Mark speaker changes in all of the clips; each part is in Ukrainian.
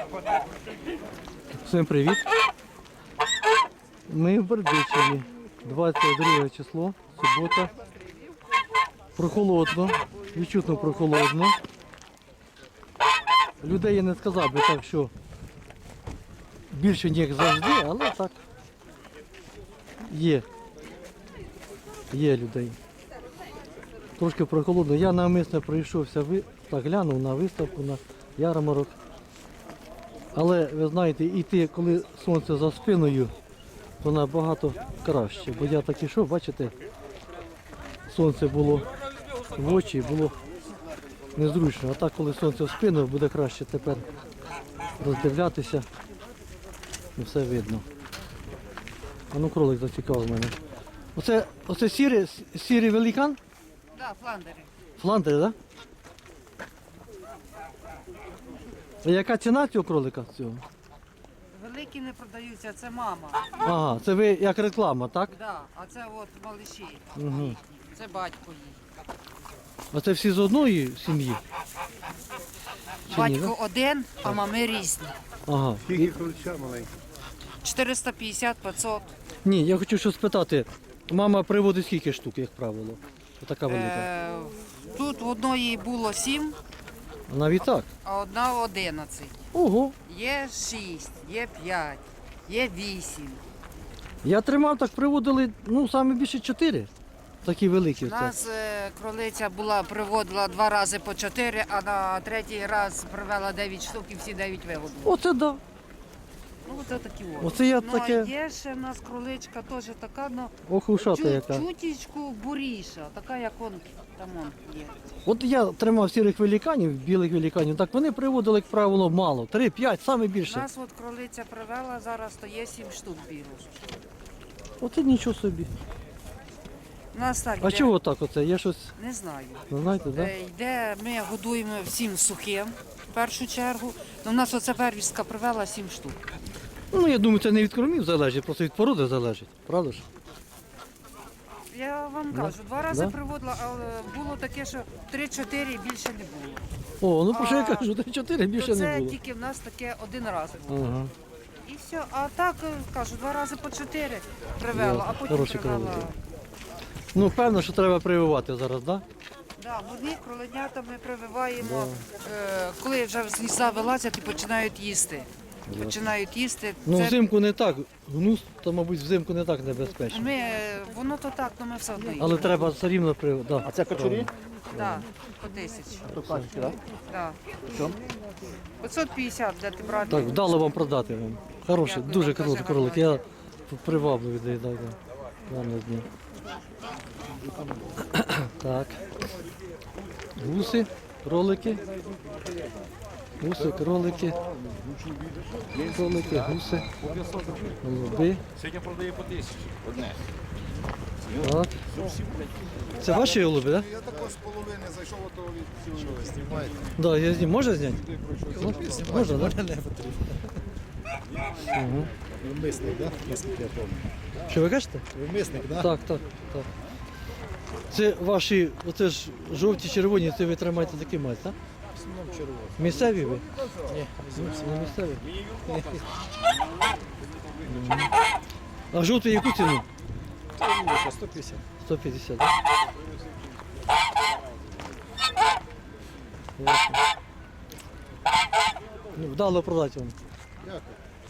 Speaker 1: Всім привіт! Ми в Бердичеві. 22 число, субота. Прохолодно, відчутно прохолодно. Людей я не сказав би так, що більше ніж завжди, але так є. Є людей. Трошки прохолодно. Я навмисно прийшовся, так глянув на виставку, на ярмарок. Але ви знаєте, йти, коли сонце за спиною, то набагато краще. Бо я так ішов, бачите, сонце було в очі, було незручно. А так, коли сонце в спину, буде краще тепер роздивлятися. І все видно. А ну кролик зацікавив мене. Оце сірий великан?
Speaker 2: Так, да, фландери.
Speaker 1: Фландери, так? А яка ціна цього кролика? Цього?
Speaker 2: Великі не продаються, це мама.
Speaker 1: Ага, це ви як реклама, так?
Speaker 2: Да, а це от малиші.
Speaker 1: Угу.
Speaker 2: Це батько їй.
Speaker 1: А це всі з одної сім'ї? Чи ні,
Speaker 2: Батько один, а мами різні.
Speaker 1: Ага.
Speaker 3: Скільки крольча маленьких?
Speaker 2: 450-500.
Speaker 1: Ні, я хочу що спитати. Мама приводить скільки штук, як правило? Така велика.
Speaker 2: Тут в одної було 7,
Speaker 1: А навіть так.
Speaker 2: а одна 11.
Speaker 1: Ого.
Speaker 2: Є 6, є 5, є 8.
Speaker 1: Я тримав, так приводили, ну, саме більше 4. Такі великі.
Speaker 2: У нас кролиця приводила 2 рази по 4, а на третій раз привела 9 штук і всі 9 вигодили.
Speaker 1: Оце да.
Speaker 2: Ну, оце такі от.
Speaker 1: Оце я
Speaker 2: Ну,
Speaker 1: таке.
Speaker 2: а є ще в нас кроличка теж така, ну,
Speaker 1: Ох, ушата яка.
Speaker 2: чутічку буріша, така як он там є.
Speaker 1: От я тримав сірих великанів, білих великанів, так вони приводили, як правило, мало. 3-5, саме
Speaker 2: У
Speaker 1: більше.
Speaker 2: нас от кролиця привела, зараз то є 7 штук білих.
Speaker 1: Оце нічого собі.
Speaker 2: У нас так
Speaker 1: А
Speaker 2: йде,
Speaker 1: чого так оце? Я щось,
Speaker 2: не знаю.
Speaker 1: ну, знаєте, да?
Speaker 2: Йде, ми годуємо всім сухим, в першу чергу. Ну, у нас оця первістка привела 7 штук.
Speaker 1: Ну, я думаю, це не від кормів залежить, просто від породи залежить, правда ж?
Speaker 2: Я вам
Speaker 1: Да.
Speaker 2: кажу, 2 рази
Speaker 1: Да.
Speaker 2: приводила, але було таке, що 3-4 більше не було.
Speaker 1: О, ну про що я
Speaker 2: А,
Speaker 1: кажу, 4 більше
Speaker 2: То
Speaker 1: не
Speaker 2: це
Speaker 1: було.
Speaker 2: тільки в нас таке 1 раз було.
Speaker 1: Ага.
Speaker 2: І все. А так, кажу, 2 рази по 4 привела, а потім
Speaker 1: Хороші
Speaker 2: привела.
Speaker 1: кролики. Ну, певно, що треба прививати зараз, так?
Speaker 2: Да, вони кроленята ми прививаємо, коли вже з гнізда вилазять і починають їсти. Починають їсти.
Speaker 1: Ну,
Speaker 2: Це
Speaker 1: взимку не так. Гнус, то, мабуть, взимку не так небезпечно.
Speaker 2: ми, воно то так, але ми все одно їмо.
Speaker 1: Але треба все рівно прививати. Да.
Speaker 3: А це качурі?
Speaker 2: Да, по 1000.
Speaker 3: То качки, так?
Speaker 2: Да.
Speaker 3: Що?
Speaker 2: 550 де ти брати.
Speaker 1: Так, вдало вам продати вам. Хороший,
Speaker 2: Дякую,
Speaker 1: дуже
Speaker 2: вам
Speaker 1: круто
Speaker 2: дуже
Speaker 1: кролик.
Speaker 2: гарного
Speaker 1: Я привабливий доїдаю. Гарного дня. Так. Гуси, кролики. Гуси, кролики. Кролики, гуси. Голуби.
Speaker 3: Сьогодні продає по 1000. Одне.
Speaker 1: Так. Це ваші голуби, так?
Speaker 4: Я також з половини зайшов, а то від що ви знімаєте?
Speaker 1: Да, я зніму. Можна зняти? Ну, можна, так?
Speaker 4: Не потрібно.
Speaker 1: Угу.
Speaker 4: Ви мисник, так? Наскільки я пам'ятаю.
Speaker 1: Що ви кажете?
Speaker 4: Ви мисник, так?
Speaker 1: Так, так, так. Це ваші, оце ж жовті, червоні, це ви тримаєте такі мать, так?
Speaker 4: В основному червоно.
Speaker 1: Місцеві ви?
Speaker 4: Ні,
Speaker 1: Не місцеві? Мгм. А жовтий яку ціну?
Speaker 4: це вулиця 150.
Speaker 1: 150, так? Ясно. Ну, вдало продати вам.
Speaker 4: Дякую.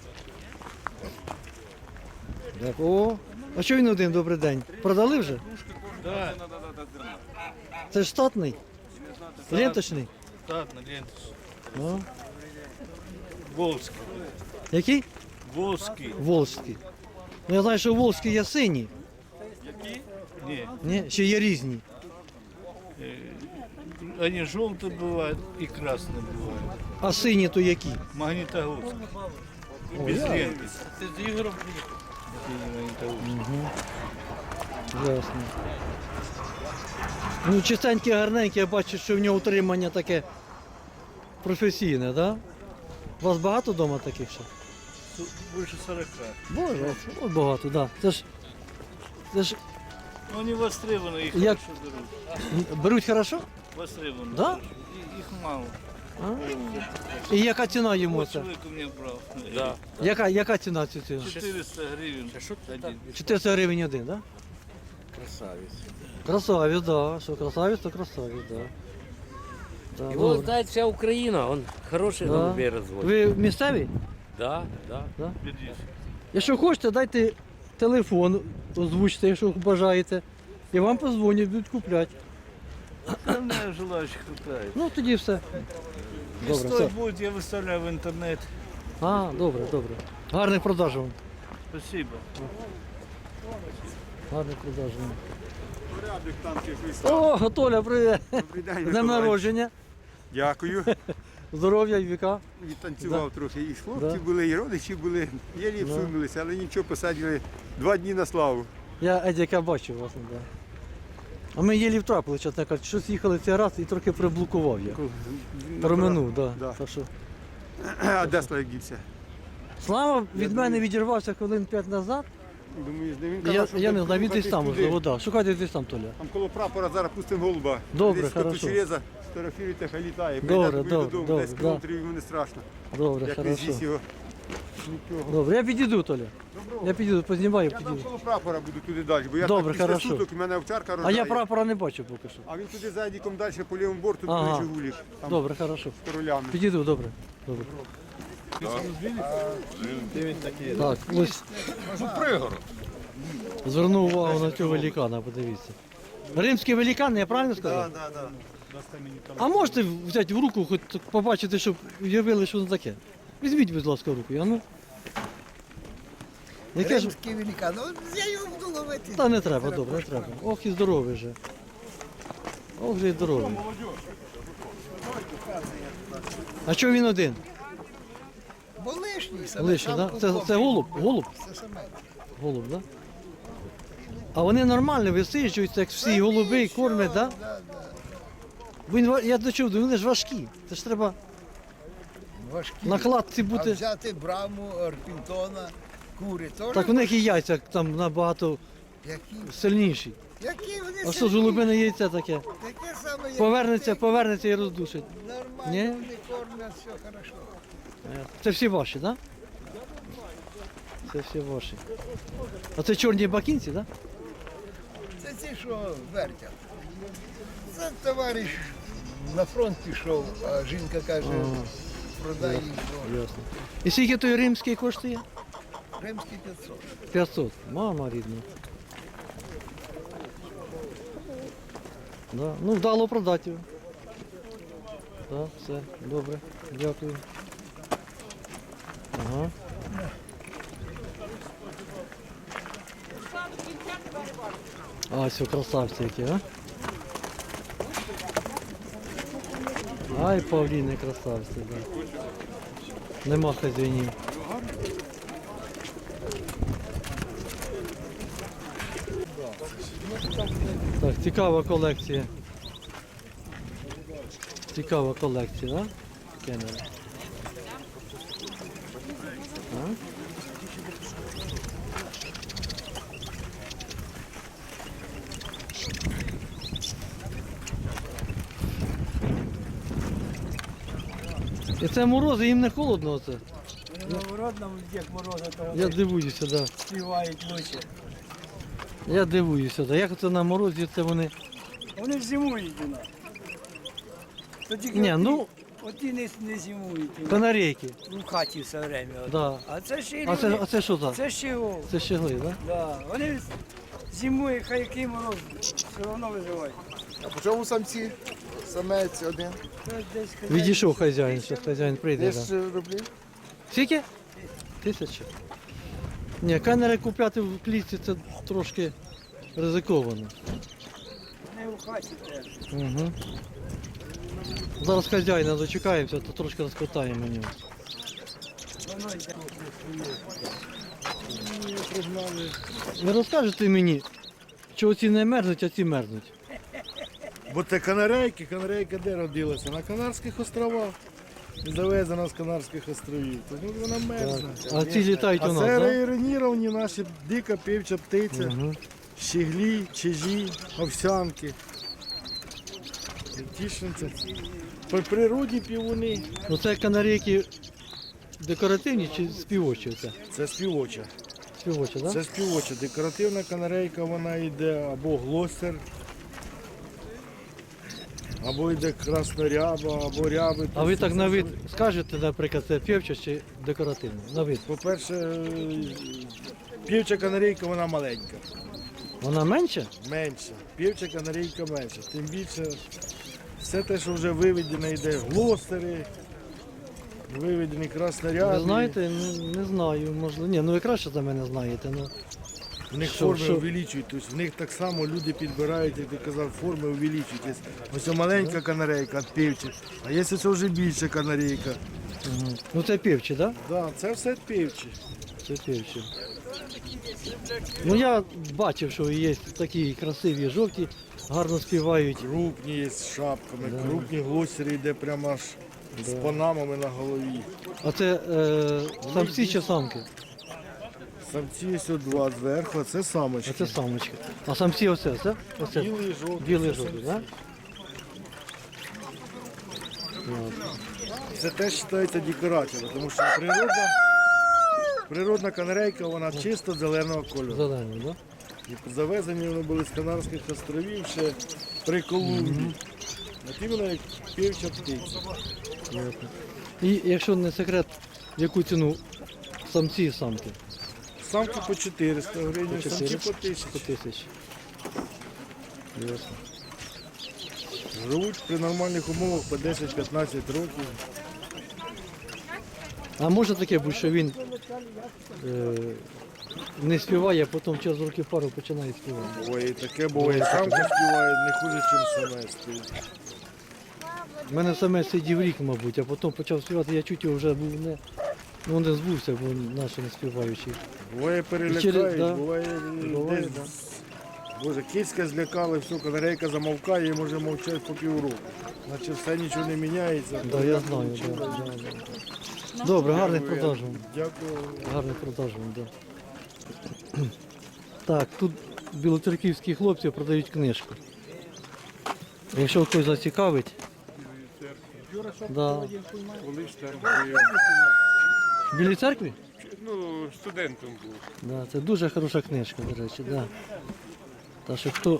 Speaker 1: Дякую. О, а що він один, добрий день? Продали вже?
Speaker 3: Так.
Speaker 1: Це ж штатний? Ленточний?
Speaker 3: Так, на ленту.
Speaker 1: Ну.
Speaker 3: Волзький.
Speaker 1: Який?
Speaker 3: Волзький.
Speaker 1: Волжський. Ну я знаю, що волжські є сині.
Speaker 3: Які? Ні.
Speaker 1: Ні? Ще є різні.
Speaker 3: Они желтые бывают и красные бывают.
Speaker 1: А сині то які?
Speaker 3: Магнитогорск. Без ленты. Ты с Игорем приехал?
Speaker 1: Ясно. Ну, чистенькі, гарненькі, я бачу, що в нього утримання таке професійне, так? Да? У вас багато вдома таких ще?
Speaker 3: Больше 40.
Speaker 1: Боже, от багато, так. Да. Це ж
Speaker 3: Ну, они востребованы, их
Speaker 1: Як-
Speaker 3: хорошо берут.
Speaker 1: беруть хорошо?
Speaker 3: Востребованы.
Speaker 1: Да?
Speaker 3: Их мало.
Speaker 1: І яка ціна йому це?
Speaker 3: Человек у меня брал.
Speaker 5: Да.
Speaker 1: Яка ціна цього?
Speaker 3: 400 гривен. Один.
Speaker 1: 400 гривень один, так? Да?
Speaker 5: Красавец.
Speaker 1: Красавець, да. Що красавець, то красавець, да. Да,
Speaker 5: Его
Speaker 1: добре.
Speaker 5: знает вся Украина, он хороший
Speaker 1: Да.
Speaker 5: голубей разводит.
Speaker 1: Ви місцеві?
Speaker 5: Да, да.
Speaker 1: Да?
Speaker 3: Берись.
Speaker 1: Якщо хочете, дайте телефон, озвучте, якщо бажаєте. І вам позвонять, будуть купляти.
Speaker 3: Остальное желающих хватает.
Speaker 1: Ну тоді все. Добре, все.
Speaker 3: Стоит будет, я выставляю в интернет.
Speaker 1: А, добре, добре. Гарних продаж вам.
Speaker 3: Спасибо.
Speaker 1: Гарних продаж вам.
Speaker 6: Порядок там щось.
Speaker 1: О, Толя, привіт.
Speaker 6: Добрий день,
Speaker 1: З днем
Speaker 6: Миколай.
Speaker 1: народження.
Speaker 6: Дякую.
Speaker 1: Здоров'я і віка.
Speaker 6: Відтанцював трохи. І хлопці
Speaker 1: Да.
Speaker 6: були, і родичі були. Єлі всунулися, але нічого, посадили 2 дні на славу.
Speaker 1: Я Едіка бачив вас. Да. А ми єлі втрапили, чесно кажучи, щось їхали цей раз і трохи приблокував я. Проминув, да.
Speaker 6: Да.
Speaker 1: Так що.
Speaker 6: А де Славік дівся?
Speaker 1: Слава від мене відірвався хвилин 5 назад.
Speaker 6: Думаю, де він
Speaker 1: Я,
Speaker 6: казав, що
Speaker 1: я не
Speaker 6: так
Speaker 1: знаю, він десь
Speaker 6: рухатись
Speaker 1: там
Speaker 6: туди.
Speaker 1: можливо, да. Шукайте десь там, Толя.
Speaker 6: Там коло прапора зараз пустимо голуба.
Speaker 1: Добре,
Speaker 6: Десь
Speaker 1: хорошо.
Speaker 6: Кучереза, сфотографіруйте, хай літає.
Speaker 1: Добре,
Speaker 6: Прийде
Speaker 1: добре,
Speaker 6: додому,
Speaker 1: добре,
Speaker 6: 10
Speaker 1: да.
Speaker 6: кілометрів йому не страшно.
Speaker 1: Добре,
Speaker 6: Як він
Speaker 1: хорошо.
Speaker 6: з'їсть його. Нічого.
Speaker 1: Добре, я підійду, Толя. Я підійду, познімаю,
Speaker 6: Я там
Speaker 1: підійду.
Speaker 6: коло прапора буду туди далі, бо я
Speaker 1: Добре,
Speaker 6: так після
Speaker 1: хорошо.
Speaker 6: суток, у мене овчарка
Speaker 1: А
Speaker 6: рожає.
Speaker 1: я прапора не бачу поки що.
Speaker 6: А він туди за Едіком далі по лівому борту,
Speaker 1: Ага.
Speaker 6: туди Жигулік. Там
Speaker 1: Добре, хорошо.
Speaker 6: з королями.
Speaker 1: Підійду, добре. Добре. Так, ось. Звернув увагу на цього великана, подивіться. Римський великан, я правильно сказав?
Speaker 6: Так, так.
Speaker 1: А можете взяти в руку, хоч побачити, щоб уявили, що це таке? Візьміть, будь ласка, в руку. А ну. Яке ж...
Speaker 7: Римський великан. Ну, я його буду ловити.
Speaker 1: Та не треба, добре, не треба. Ох і здоровий же. Ох же і здоровий. А чого він один?
Speaker 7: Бо лишній саме.
Speaker 1: Лише,
Speaker 7: сам
Speaker 1: да?
Speaker 7: купив.
Speaker 1: Це голуб? Голуб?
Speaker 7: Це саме.
Speaker 1: Голуб, да? А вони нормально висиджуються, як всі голуби, і кормять, да?
Speaker 7: Да, да.
Speaker 1: Він, я до чого, вони ж важкі. Це ж треба
Speaker 7: Важкі.
Speaker 1: на кладці
Speaker 7: А
Speaker 1: бути.
Speaker 7: взяти браму, орпінтона, кури теж.
Speaker 1: Так у них і яйця там набагато
Speaker 7: Які?
Speaker 1: сильніші.
Speaker 7: Які вони
Speaker 1: А що ж голубине яйце таке?
Speaker 7: Таке саме, як
Speaker 1: Повернеться і роздушить.
Speaker 7: Нормально,
Speaker 1: Ні?
Speaker 7: вони кормять, все хорошо.
Speaker 1: Це всі ваші, так? Да? Це всі ваші. А це чорні бакінці, так?
Speaker 7: Це ті, що вертять. Це товариш на фронт пішов, а жінка каже, продай їй.
Speaker 1: Да? Ясно. І скільки той римський коштує?
Speaker 7: Римський 500.
Speaker 1: 500. Мама рідна. Да. Ну, вдало продати його. Так, все, добре. Дякую. Ага. А, все, красавці які, а? Ай, павліни красавці, да. Нема хазяїнів. Так, цікава колекція. Цікава колекція, да? Кеннера. А? І це морози, їм не холодно оце.
Speaker 8: Наоборот, нам Дед Мороза то
Speaker 1: Я дивуюся, да.
Speaker 8: співають лучше.
Speaker 1: Я дивуюся, да. Як це на морозі це вони.
Speaker 8: Вони ж зимують у нас. То тільки
Speaker 1: Ні, ну,
Speaker 8: оті не зимують у нас.
Speaker 1: канарейки.
Speaker 8: В хаті все время.
Speaker 1: Да.
Speaker 8: А це ще й
Speaker 1: А
Speaker 8: люди.
Speaker 1: це що за?
Speaker 8: Це ще о.
Speaker 1: Це щегли, так? Да?
Speaker 8: Да. Вони зимують, хай який мороз, все одно виживають.
Speaker 9: А по чому самці? Самець один.
Speaker 8: Це десь
Speaker 1: Відійшов хазяїн, зараз хазяїн прийде. Да.
Speaker 9: 10 рублів.
Speaker 1: Скільки? 1000. Ні, камери купляти в клітці це трошки ризиковано.
Speaker 8: не в хаті теж.
Speaker 1: Угу. Зараз хазяїна дочекаємося, то трошки розпитаємо нього.
Speaker 8: Воно йде.
Speaker 1: Ви розкажете мені, що ці не мерзнуть, а ці мерзнуть?
Speaker 10: Бо це канарейка де родилася? На Канарських островах. І завезена з Канарських островів. Тому вона мерзне.
Speaker 1: А ці літають у
Speaker 10: А
Speaker 1: нас,
Speaker 10: це
Speaker 1: так? Да?
Speaker 10: рейроніровані наші дика півча птиця,
Speaker 1: Угу.
Speaker 10: щеглі, чижі, овсянки. Тішинці. По природі півуни.
Speaker 1: Ну це канарейки декоративні чи співочі?
Speaker 10: Це співоча.
Speaker 1: Співочі, так?
Speaker 10: Це співоча. Декоративна канарейка, вона йде або глостер, або йде красноряба, або ряби.
Speaker 1: А ви так на вид скажете, наприклад, це півча чи декоративна? На вид.
Speaker 10: По-перше, півча канарейка, вона маленька.
Speaker 1: Вона менша?
Speaker 10: Менша. Півча канарейка менша. Тим більше все те, що вже виведено, йде глостери, виведені красноряби.
Speaker 1: Ви знаєте, не знаю, можливо. Ні, ну ви краще за мене знаєте. Ну.
Speaker 10: В них
Speaker 1: Що-
Speaker 10: форми
Speaker 1: що?
Speaker 10: увеличують, тобто в них так само люди підбирають, як ти казав, форми увеличують. Ось маленька канарейка від півчі, а є ось вже більша канарейка.
Speaker 1: Мгм. Ну це півчі, так?
Speaker 10: Да, це все півчі.
Speaker 1: Це півчі. Ну я бачив, що є такі красиві жовті, гарно співають.
Speaker 10: Крупні є з шапками,
Speaker 1: Да.
Speaker 10: крупні глостери йде прямо аж з панамами на голові.
Speaker 1: А це самці чи самки?
Speaker 10: Самці ось от два зверху, а це самочки.
Speaker 1: А це самочки. А самці оце? Оце?
Speaker 10: Білий, жовтий.
Speaker 1: Білий
Speaker 10: це
Speaker 1: жовтий,
Speaker 10: самці.
Speaker 1: так?
Speaker 10: Це теж вважається декорацією, тому що природна канарейка, вона чисто зеленого кольору.
Speaker 1: Зелені, так?
Speaker 10: І завезені вони були з Канарських островів ще при Колумбії. От іменно як півча птиця.
Speaker 1: І якщо не секрет, в яку ціну самці і самки?
Speaker 10: Самки по 400 гривень,
Speaker 1: По
Speaker 10: самці
Speaker 1: 400?
Speaker 10: по 1000.
Speaker 1: По 1000. Ясно.
Speaker 10: Живуть при нормальних умовах по 10-15 років.
Speaker 1: А може таке бути, що він не співає, а потім через років пару починає співати?
Speaker 10: Буває і таке, буває, самки співають не хуже, ніж самець співають.
Speaker 1: У мене саме сидів рік, мабуть, а потім почав співати, я чуть його вже був не збувся, бо наші не співаючі.
Speaker 10: Буває
Speaker 1: І
Speaker 10: перелякають,
Speaker 1: через- да.
Speaker 10: буває
Speaker 1: Буває,
Speaker 10: десь.
Speaker 1: да.
Speaker 10: Боже, кицька злякали, все, канарейка замовкає і може мовчати по півроку. Наче все нічого не міняється.
Speaker 1: Да, я знаю, да. Добре, гарних продаж вам.
Speaker 10: Дякую.
Speaker 1: Гарних продаж вам, да. Так, тут білоцерківські хлопці продають книжку. Якщо хтось зацікавить. Да. В Білій церкві?
Speaker 6: Ну, студентом був.
Speaker 1: Да, це дуже хороша книжка, до речі. Да. Та що хто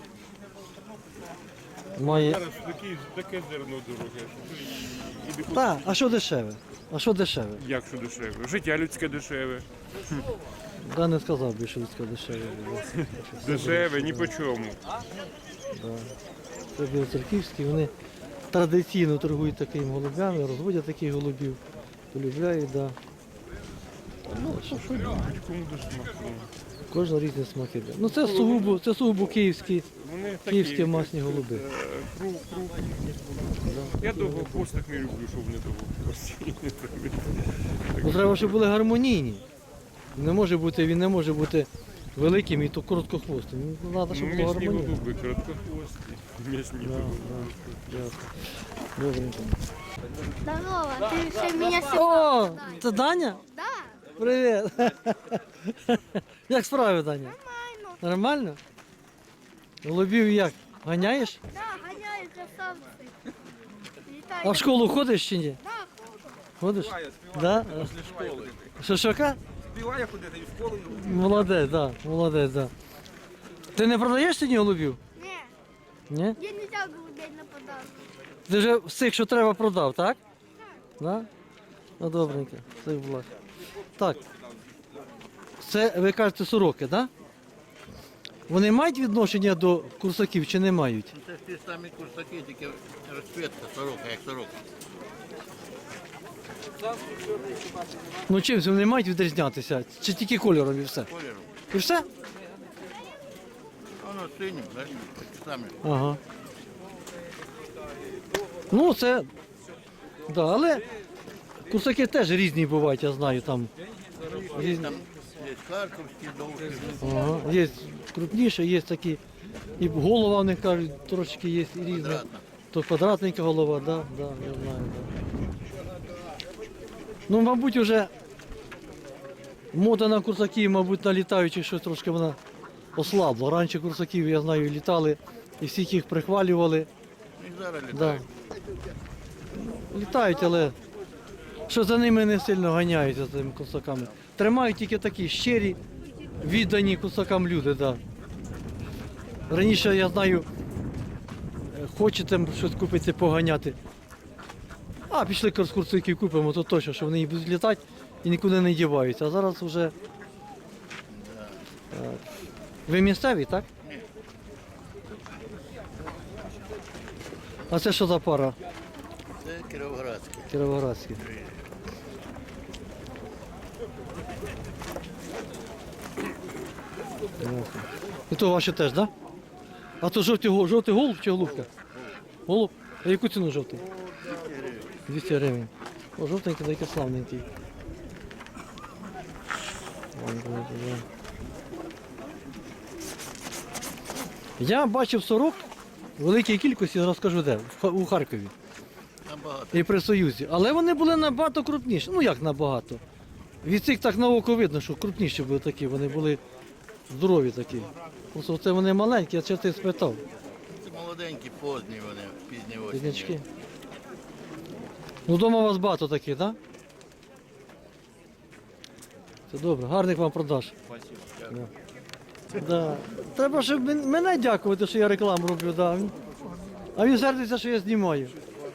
Speaker 1: має.
Speaker 6: Зараз таке зерно дороге.
Speaker 1: Так, а що дешеве? А що дешеве?
Speaker 6: Як що дешеве? Життя людське дешеве.
Speaker 1: Да, не сказав би, що людське дешеве.
Speaker 6: Дешеве, ні по чому.
Speaker 1: Да. Це білоцерківські, вони традиційно торгують такими голубями, розводять таких голубів, полюбляють, да.
Speaker 6: Ну, що любить, кому до смаку.
Speaker 1: Кожен різні смаки. Да. Ну це сугубо київські,
Speaker 6: Вони
Speaker 1: київські масні голуби.
Speaker 6: крупні. Я довгохвостих не люблю, щоб вони довгохвості.
Speaker 1: Ну, треба, щоб були гармонійні. Він не може бути великим і то короткохвостим. Ну, треба, щоб було
Speaker 6: М'ясні
Speaker 1: гармонійно.
Speaker 6: голуби, короткохвості. М'ясні
Speaker 1: Да,
Speaker 6: голуби.
Speaker 1: да, ясно. Добренько.
Speaker 11: Здорово, ты все меня
Speaker 1: О, це Даня?
Speaker 11: Да,
Speaker 1: Привіт. Як справи, Даня?
Speaker 11: нормально.
Speaker 1: Нормально? Голубів як? Ганяєш?
Speaker 11: Да, гоняют красавцы. Летают.
Speaker 1: А в школу ходиш чи ні?
Speaker 11: Да, круто.
Speaker 1: Ходиш? Да? Що?
Speaker 3: Співає ходити і в школу.
Speaker 1: Молодець, да, молодець, да. Ти не продаєш сьогодні голубів?
Speaker 11: Не,
Speaker 1: Ні?
Speaker 11: я нельзя голубей на подарок.
Speaker 1: Ти вже всіх, що треба, продав, так? Да? Ну, добренько, все в благ. Так. Це, ви кажете, сороки, так? Да? Вони мають відношення до курсаків чи не мають?
Speaker 3: Це ж ті самі курсаки, тільки розцвітка, сорока, як сорока.
Speaker 1: Ну чим вони мають відрізнятися? Чи тільки кольором і все?
Speaker 3: Кольором.
Speaker 1: І все?
Speaker 3: Воно синім, так? Такі самі.
Speaker 1: Ага. Ну, це. Да, але курсаки теж різні бувають, я знаю, там. Різні.
Speaker 3: Там є харківські, довгі.
Speaker 1: Ага. Є крупніше, є такі. І голова у них кажуть, трошки є і різна.
Speaker 3: Квадратна.
Speaker 1: То квадратненька голова, да, да, я знаю, да. Ну, мабуть, вже мода на курсаків, мабуть, на літаючих щось трошки вона ослабла. Раніше курсаків, я знаю, літали і всіх їх прихвалювали.
Speaker 3: І зараз
Speaker 1: Да.
Speaker 3: літають.
Speaker 1: Літають, але що за ними не сильно ганяються за цими кусаками. Тримають тільки такі щирі, віддані кусакам люди, да. Раніше, я знаю, хочете щось купити, поганяти. А, пішли курсиків купимо, то точно, що вони будуть літати і нікуди не діваються. А зараз вже... Ви місцеві, так? А це що за пара?
Speaker 7: Це Кіровоградський.
Speaker 1: Кіровоградські. Ясно. І то ваші теж, так? Да? А то жовтий голуб чи голубка? Голуб? А яку ціну жовтий? 200 гривень. О, жовтенький, такий славненький. Я бачив сорок в великій кількості, розкажу де, у Харкові. І при Союзі. Але вони були набагато крупніші. Ну як набагато? Від цих так на око видно, що крупніші були такі, вони були здорові такі. Просто це вони маленькі, я часто спитав.
Speaker 7: Це молоденькі, поздні вони, пізні осінні.
Speaker 1: Пізнячки. Ну вдома у вас багато таких, так? Да? Це добре, гарних вам продаж. Да. Да. Треба, щоб мене дякувати, що я рекламу роблю. Да. А він сердиться, що я знімаю.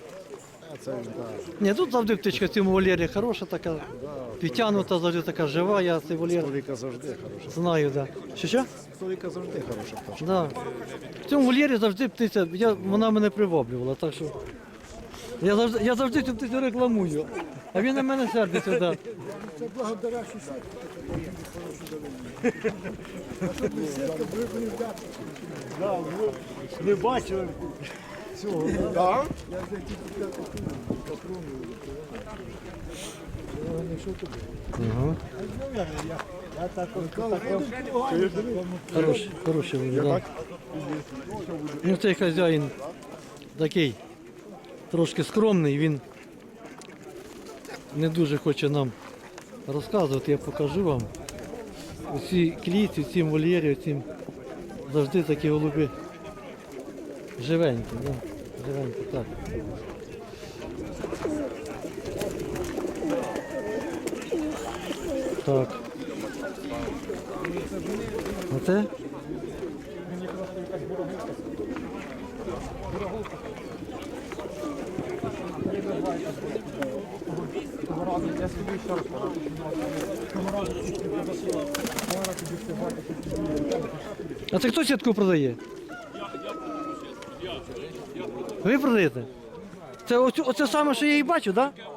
Speaker 1: Ні, тут завжди птичка в цьому вольєрі хороша така, підтягнута, завжди така жива, я цей вольєр
Speaker 4: Століка завжди хороша.
Speaker 1: знаю, да. Що?
Speaker 4: Століка завжди хороша пташка.
Speaker 1: Да. В цьому вольєрі завжди птиця, вона мене приваблювала, так що я завжди цю птицю рекламую, а він на мене сердиться, да.
Speaker 9: Це благодаря сітки.
Speaker 10: Не бачили.
Speaker 9: Так?
Speaker 1: Ага. Хороший вольєр, да. Ну цей хазяїн такий трошки скромний, він не дуже хоче нам розказувати, я покажу вам. У цій клітці, у цім вольєрі, у цім завжди такі голуби живенькі, да? Живенькі, так. Так. А це? А це хто сітку продає? Ви продаєте? Це оце саме, що я і бачу, так? Да?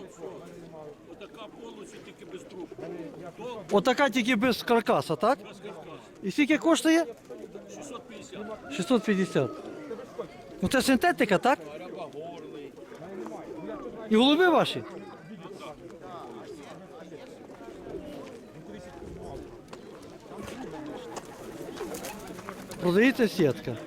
Speaker 1: Отака тільки без каркаса, так? І скільки коштує? 650. 650. Ну це синтетика, так? І голуби ваші? Продається сітка.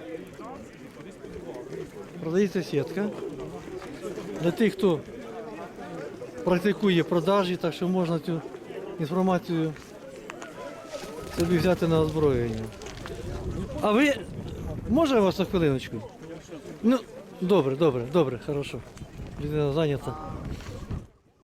Speaker 1: Продається сітка. Для тих, хто практикує продажі, так що можна цю інформацію собі взяти на озброєння. А ви, може вас на хвилиночку? Ну, добре, хорошо. Людина зайнята.